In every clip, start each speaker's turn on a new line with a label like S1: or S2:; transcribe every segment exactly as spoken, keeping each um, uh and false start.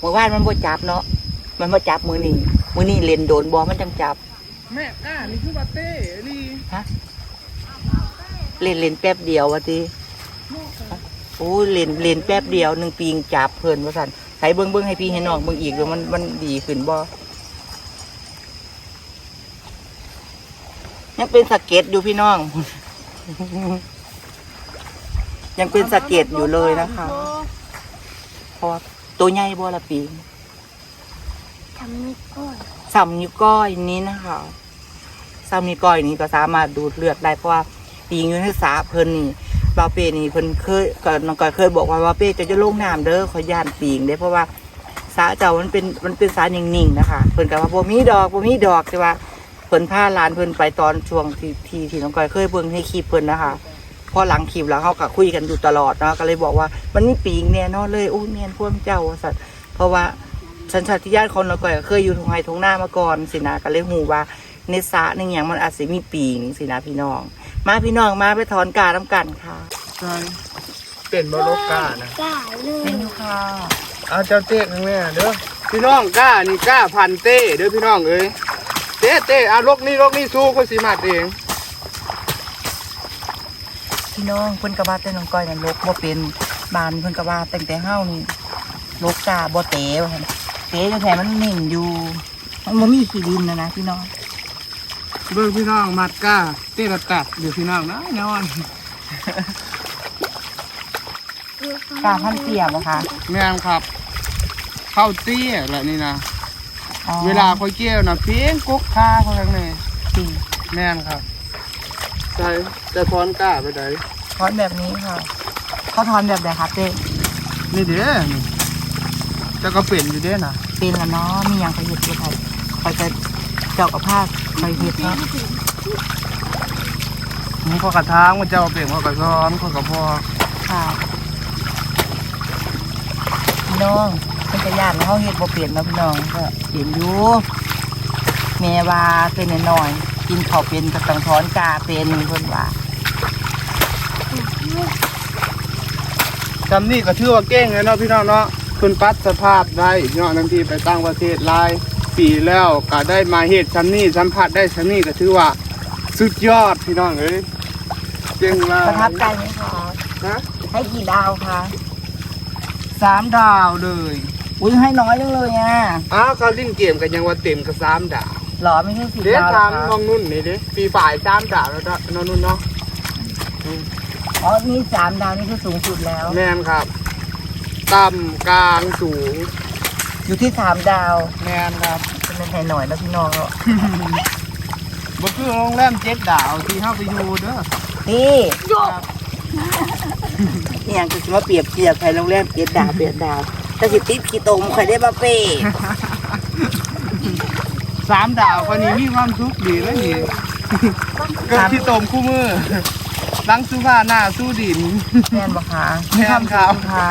S1: เมื่อวานมันบ่จับเนาะมันบ่จับมือนี้มือนี้เล่นโดนบอมันจังจับ
S2: แม่ก้านี่คือว่าเต้ลี
S1: ฮะเล่นเล่นแป๊บเดียววะทีโอ้เล่นเล่นแป๊บเดียวหนึ่งปีงจับเพลินว่าสันใส่เบิ้งเบิ้งให้พี่ให้น้องเบิ้งอีกเดี๋ยวมันมันดีขึ้นบ่ยังเป็นสะเก็ดอยู่พี่น้อง ยังเป็นสะเก็ดอยู่เลยนะคะเพราะว่าตัวใหญ่บ่ละปีง
S3: ทำนี่ก่อน
S1: ซ้ำนิ้วก้อยนี้นะคะซ้ำนิ้วก้อยนี้ก็สามารถดูดเลือดได้เพราะว่าปีงอยู่ในสาเพิ่นนี่บาเป้นี่เพิ่นเคยก็น้องก้อยเคยบอกว่าบาเป้จะจะลงน้ำเด้อขอย่านปีงเด้เพราะว่าสาเจ้ามันเป็นมันเป็นสานิ่งๆนะคะเพิ่นก็ว่าบ่มีดอกบ่มีดอกใช่ป่ะเพิ่นพาหลานเพิ่นไปตอนช่วงที่ที่ที่น้องก้อยเคยเบิ่งให้คลิปเพิ่นนะคะพอหลังคลิปแล้วเขาก็คุยกันอยู่ตลอดเนาะก็เลยบอกว่ามันมีปีงแน่นอนเลยโอ้แม่นพวกเจ้าว่าซั่นเพราะว่าสัญชาติญาณคนเราก็เคยอยู่ทงไฮทงหน้ามาก่อนสินะก็เลยหูว่าในสระในอย่างมันอาจจะมีปีงสินะพี่น้องมาพี่น้องมาไปถอนกาน้ำกันค่ะ
S2: ใช่เป็นบล็อกก้านะ
S3: กล้าเลย
S1: นี่ค่ะ
S2: เอาเจ้าเต้ข้างแม่เด้อพี่น้องก้านี่ก้าพันเต้เด้อพี่น้องเอ้ยเต้เต้เอาลกนี่ลกนี่สู้คนสีมัดเอง
S1: พี่น้องเพิ่นกระบาแต่น้องก้อยนั่นลกบ่เป็นบานเพิ่นกระบาแต่งแต่เฮานี่ลกกาบ่เต๋ว่าซั่นเต๋อยู่แถมมันนิ่งอยู่มันบ่มีขี้ดินนะนะพี่น้อง
S2: เบิ่งพี่น้องมัดก้าเต้ระตัดเดี๋ยวพี่น้องนะนอน
S1: กาพันเตี้ยบ่คะ
S2: แม่นครับเข้าเตี้ยแหละนี่นะ
S1: อ๋อ
S2: เวลาคอยเกี่ยวนะเพียงกุ๊กค่าเขาทั้งนี้
S1: จริง
S2: แม่นครับใช่จะถอนก้าไปไหน
S1: ถอนแบบนี้ค่ะเขาถอนแบบใดคะเต้
S2: นี่เด้อนี่จะก็เป็นอยู่เด้อนะ
S1: เป็นแล้วเนาะมีหยังไปเฮ็ดอยู่ค่ะคอยจะเจ้ากับผ้าคอยเฮ็ดเนาะ
S2: มึงพอกระทางมันจะเอาเปลี่ยนพอกระซ้อนพอกระพอ
S1: ค่ะพี่น้องเป็นกระยานเฮาเฮ็ดบ่เปลี่ยนเนาะพี่น้องก็เปลี่ยนอยู่แม่ว่าเป็นน้อยๆกินข้าวเป็นก็ต้องถอนกาเป็นเพิ่นว่า
S2: จำนี่ก็ชื่อว่าเก้งเลยเนาะพี่น้องเนาะคุณปัดสภาพได้เนาะทันทีไปตั้งประเทศหลายปีแล้วก็ได้มาเหตุชั้นนี้สัมผัสได้ชั้นนี้ก็ถือว่าสุดยอดพี่น้องเอ้ยเก่งมาก
S1: ประทับใจไหมคะ
S2: นะ
S1: ให้กี่ดาวคะ
S2: สามดาวเลย
S1: อุ้ยให้น้อยจังเลยอ่ะ
S2: อ้าวเขาลิ้นเกมกันยังว่าเต็มกับสามดาว
S1: หรอไม่ใช่สี่
S2: เดี๋ยว
S1: ดาวเหร
S2: ถา
S1: อ
S2: ม
S1: คะ
S2: น้องนุ่นนี่ดิปีฝ่ายสามดาวแล้วก็น้องนุ่นเนาะ
S1: อ๋อนี่สามดาวนี่คือสูงสุดแล้ว
S2: แม่นครับต่ำกลางสูง
S1: อยู่ที่สามดาว
S2: แม่นครับ
S1: เป็นให้หน่อยแล้วพี่น้องเนาะ
S2: บ่คือโรงแรมเจ็ดดาวที่เฮาไปอยู่เด้อ
S1: นี่
S2: ครับ
S1: นี่ยังคือมาเปรียบเทียบใครโรงแรมเจ็ดดาวเปดดาวแต่สิติดขี้ตมใครได้มาเป้
S2: สามดาวคนนี้มีความสุขดีแล้วนี่ก็ที่ตมคู่มือล้างสู้ผ้าหน้าสู้ดิน
S1: แม่นบ่คะ
S2: แม่นครับ
S1: ค่ะ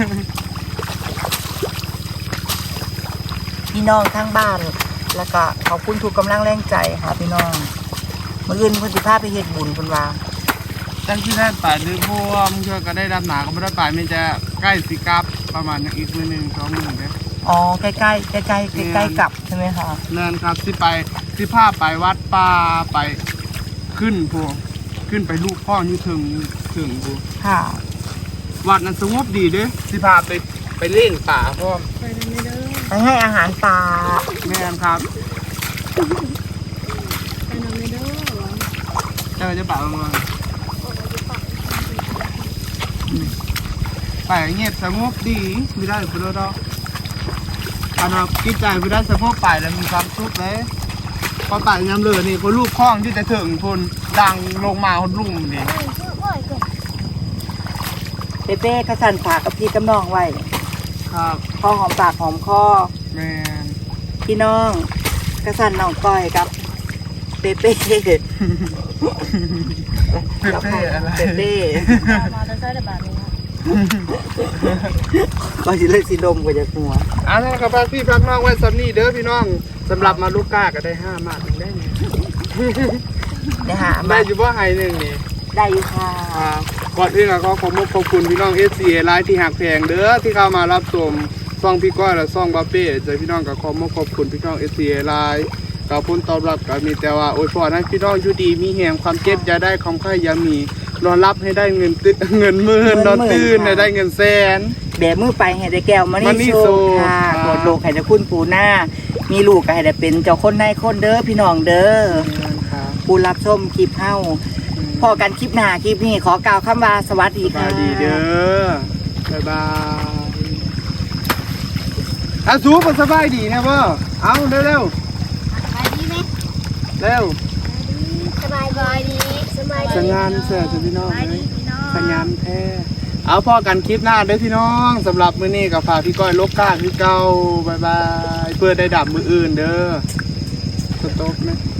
S1: พี่น้องทั้งบ้าน แล้วก็ขอบคุณทุกกำลังแรงใจค่ะพี่น้องมื้ออื่นเพิ่นสิพาไปเฮ็ดบุญเพิ่นว่า
S2: ตั้งที่ได้ป่าดื้อพวมเชื่อก็ได้รับหนาก็ไม่ได้ป่ามันจะใกล้สิกลับประมาณอีกมือหนึ่งสองมือเด้อ
S1: อ๋อใกล้ๆใกล้ๆใกล้ๆใกล้ๆกับใช่ไหมคะ
S2: นั่นครับที่ไปที่ผ้าไปวัดป่าไปขึ้นพวกขึ้นไปลูกพ่ออยู่ถึงถึงพวก
S1: ค่ะ
S2: วัดนั้นสงบดีเด้อที่พาไปไปเล่นป่าพ่อ
S1: ไปให้อาหารปลา
S2: แม่นครับเจ้าจะป่าประมาณไปเงียบสงบดีไม่ได้ไปแล้วดอกอันนั้นกิจใจไม่ได้สงบไปแล้วมีความสุขเลยพอไปยามเลยนี่คนลูกคล้องที่จะถึงคนดังลงมาคนลุ่มนี่
S1: เป้เป้กระสันฝากกับพี่กับน้องไว้
S2: ครับ
S1: พอหอมปากหอมคอ
S2: แม่น
S1: พี่น้องกระสันน้องก้อยกับเป้เป้
S2: เป๊ะๆอะไร
S1: เป้เป้
S3: มาจะใช้แต่แบบนี้
S1: ก็จะเลยสีดมกว่าจะหัว
S2: อันนั้นครับพี่พักน้องไว้สำนี่เด้อพี่น้องสำหรับมาลูกก้าก็ได้ห้ามาทได้ไง
S1: เดี๋ยวหา
S2: ได้
S1: มา
S2: อยู่ว่าไฮหนึ่งนี่
S1: ได้อยู่ค่ะ
S2: ครับก่อนอื่นก็ขอขอบคุณขอบคุณพี่น้องเอสซีไลน์ที่หักแพงเด้อที่เข้ามารับชมซ่องพี่ก้อยและซ่องบาเป้ใจพี่น้องก็ขอมาขอบคุณพี่น้อง เอ ซี เอ ไลน์กับผลตอบรับก็มีแต่ว่าอวยพรให้พี่น้องอยู่ดีมีแหงความเจ็บอย่าได้ความไข้อย่ามีนอนรับให้ได้เงินตึเงินหมื่นนอนตื่นให้ได้เงินแสน
S1: แบมือไปให้ได้แก้วมา
S2: มานี่
S1: นี่โซ
S2: โซ
S1: ค่ะ
S2: ครับ
S1: โกรธโลกให้ได้คุณปูหน้า มีลูกก็ให้ได้เป็นเจ้าคนนายคนเด้อพี่น้องเด้อ
S2: ครับ
S1: ผู้รับชมคลิปเฮาพอกันคลิปหน้าคลิปนี้ขอกล่าวคำว่าสวัสดี
S2: ส
S1: ค่ะ
S2: บายดีเด้อบ๊ายบายอาสูบสบายดีนะพ่อเอาเร็วเร็ว
S3: สบายดีไหม
S2: เร็ว
S3: สบายดีสบาย
S2: สัญญาณเสียจะพี่น้องเลยสัญญาณแท้เอาพ่อกันคลิปหน้าเด้อพี่น้องสำหรับมื้อนี้กับฝากพี่ก้อยลบก้าพี่เก้าบายบายเพื่อได้ดับมืออื่นเด้อสต๊อปไหม